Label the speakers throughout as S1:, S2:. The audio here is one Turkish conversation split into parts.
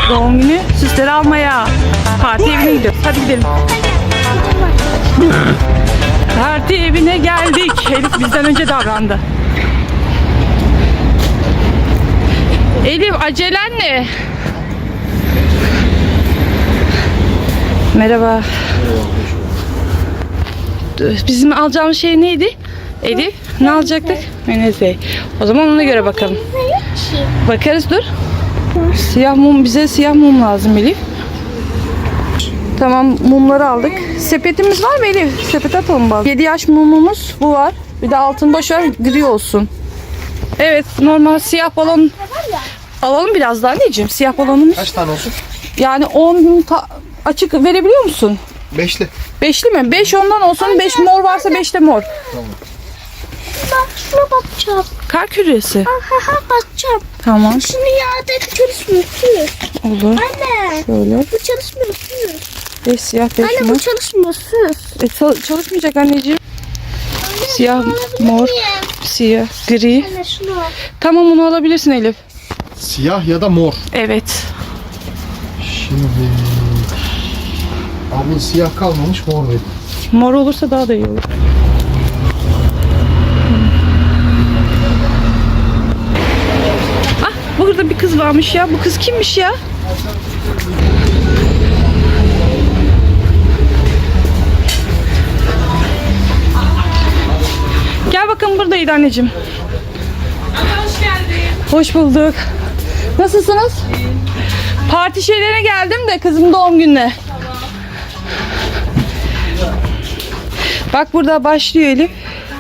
S1: Doğum günü süsleri almaya. Parti evine gidiyoruz. Hadi gidelim. Parti evine geldik. Elif bizden önce davrandı. Elif acelen ne? Merhaba. Bizim alacağımız şey neydi? Elif ne alacaktık? Menezey. O zaman ona göre bakalım. Bakarız dur. Siyah mum, bize siyah mum lazım Elif. Tamam, mumları aldık. Sepetimiz var mı Elif? Sepet atalım bak. 7 yaş mumumuz bu var. Bir de altın boş ver, gri olsun. Evet, normal siyah balon alalım biraz daha anneciğim. Siyah balonumuz.
S2: Kaç tane olsun?
S1: Yani 10 açık verebiliyor musun?
S2: 5'li.
S1: 5'li mi? 5 ondan olsun. 5 mor varsa 5 de mor.
S2: Tamam.
S3: Bak şuna bakacağım.
S1: Kar küresi.
S3: Aha bakacağım.
S1: Tamam.
S3: Şunu yağda çalışmıyor.
S1: Olur.
S3: Anne.
S1: Şöyle.
S3: Bu çalışmıyor.
S1: 5 siyah 5
S3: Anne
S1: mor.
S3: bu çalışmıyor.
S1: Çalışmayacak anneciğim.
S3: Anne,
S1: Siyah,
S3: alabilir
S1: mor,
S3: miyim?
S1: siyah, gri.
S3: Anne şunu al.
S1: Tamam, onu alabilirsin Elif.
S2: Siyah ya da mor.
S1: Evet.
S2: Şimdi abla siyah kalmamış, mor dedi.
S1: Mor olursa daha da iyi olur. Ah, burada bir kız varmış ya. Bu kız kimmiş ya? Gel bakalım, buradaydı anneciğim.
S4: Hoş geldin.
S1: Hoş bulduk. Nasılsınız? Parti şeylerine geldim de kızımın doğum gününe. Bak burada başlıyor Elif.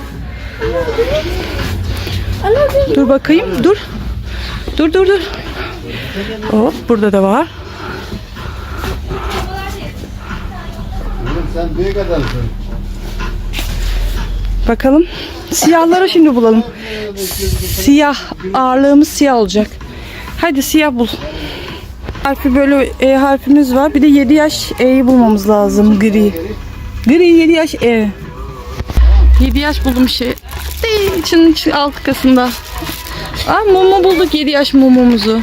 S1: Dur bakayım. Dur. Dur. Hop, burada da var.
S2: Sen büyük adamsın.
S1: Bakalım. Siyahları şimdi bulalım. Siyah. Ağırlığımız siyah olacak. Hadi siyah bul. Harfi böyle E harfimiz var. Bir de 7 yaş E'yi bulmamız lazım. Gri. Gri 7 yaş E. 7 yaş buldum şey. İçinin alt kısmında. Mumu bulduk, 7 yaş mumumuzu.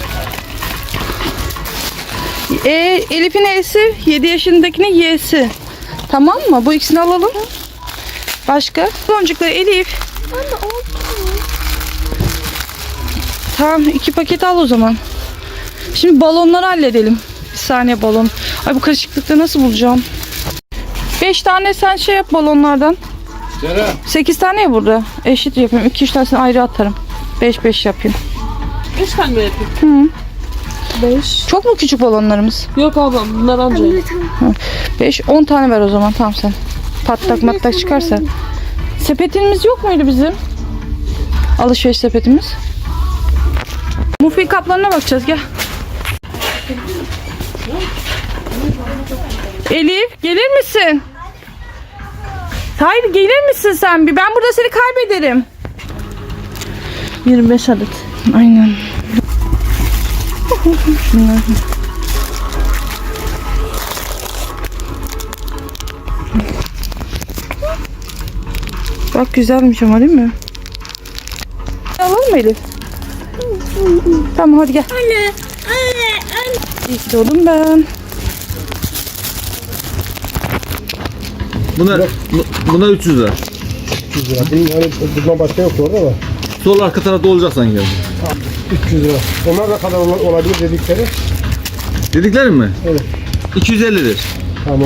S1: Elif'in E'si, 7 yaşındakinin Y'si. Tamam mı? Bu ikisini alalım. Başka? Boncukları Elif.
S3: Anne oldu.
S1: Tamam, 2 paket al o zaman. Şimdi balonları halledelim. Bir saniye balon. Ay bu karışıklıkta nasıl bulacağım? 5 tane sen şey yap balonlardan. 8 tane ya burada. Eşit yapayım. 2-3 tanesini ayrı atarım. 5 yapayım.
S4: 3 tane mi yapayım? 5.
S1: Çok mu küçük balonlarımız?
S4: Yok ablam bunlar anca.
S1: 5-10 tane ver o zaman. Tamam sen. Patlak matlak çıkarsa. Sepetimiz yok muydu bizim? Alışveriş sepetimiz. Muffin kaplarına bakacağız, gel. Elif gelir misin? Hayır, gelir misin sen bir? Ben burada seni kaybederim. 25 adet. Aynen. Şunlar. Bak güzelmiş ama değil mi? Alalım mı Elif? Tamam hadi gel.
S3: Anne.
S1: İyi ki doğdum ben.
S5: Buna 300 lira.
S2: 300 lira. Bunun hani bundan başka yok orada da.
S5: Sol arka tarafta olacak sanki.
S2: 300 lira. Onlar da kadar olabilir dedikleri.
S5: Dedikleri mi?
S2: Evet.
S5: 250'dir.
S2: Tamam.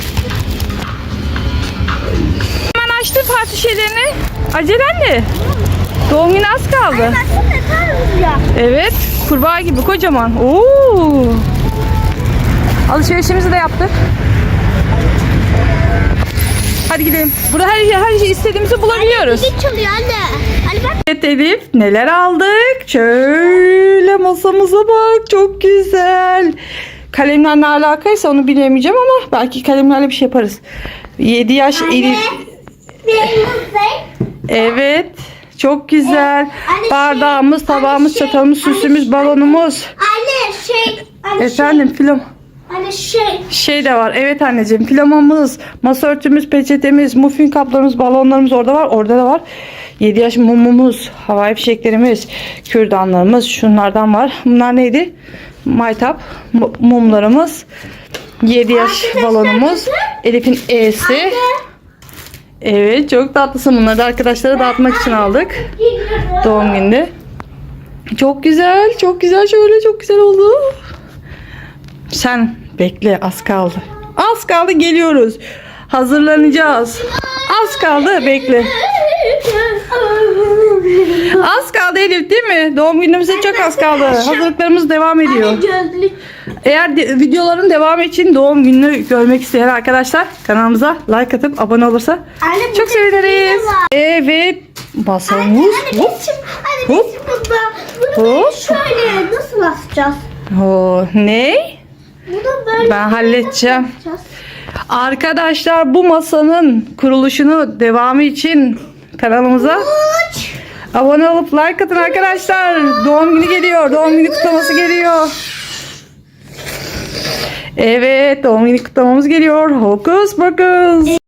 S1: Hemen açtın parti şeylerini. Acelen ne? Doğum günü az kaldı.
S3: Baksana kar ya.
S1: Evet. Kurbağa gibi kocaman. Oo. Alışverişimizi de yaptık. Hadi gidelim. Burada her şey istediğimizi bulabiliyoruz.
S3: Müzik çalıyor anne. Hadi bak.
S1: Evet Elif, neler aldık? Şöyle masamıza bak, çok güzel. Kalemler ne alakaysa onu bilemeyeceğim ama belki kalemlerle bir şey yaparız. 7 yaş Elif. Evet, çok güzel.
S3: Anne,
S1: Bardağımız, tabağımız, çatalımız, süsümüz, balonumuz.
S3: Anne
S1: Efendim film.
S3: Anne
S1: Şey de var. Evet anneciğim. Pijamamız, masa örtümüz, peçetemiz, muffin kaplarımız, balonlarımız orada var. Orada da var. 7 yaş mumumuz, havai fişeklerimiz, kürdanlarımız, şunlardan var. Bunlar neydi? Maytap mumlarımız, 7 yaş balonumuz, Elif'in E'si. Evet, çok tatlısın. Bunları da arkadaşlara dağıtmak için aldık. Doğum gününde. Çok güzel, çok güzel. Şöyle çok güzel oldu. Sen bekle, az kaldı. Az kaldı, geliyoruz. Hazırlanacağız. Az kaldı, bekle. Az kaldı Elif, değil mi? Doğum günümüze çok az kaldı. Hazırlıklarımız devam ediyor.
S3: Gözlük.
S1: Eğer videoların devamı için doğum gününü görmek isteyen arkadaşlar kanalımıza like atıp abone olursa
S3: Anne,
S1: çok seviniriz. Evet, masamız.
S3: Anne
S1: Hop.
S3: bizim
S1: Hop.
S3: bunu
S1: Hop.
S3: şöyle nasıl asacağız?
S1: Ne?
S3: Bunu böyle
S1: Ben halledeceğim.
S3: yapacağız.
S1: Arkadaşlar, bu masanın kuruluşunu devamı için kanalımıza abone olup like atın arkadaşlar. Doğum günü geliyor. Doğum günü kutlaması geliyor. Evet, doğum günü kutlamamız geliyor. Hokus pokus.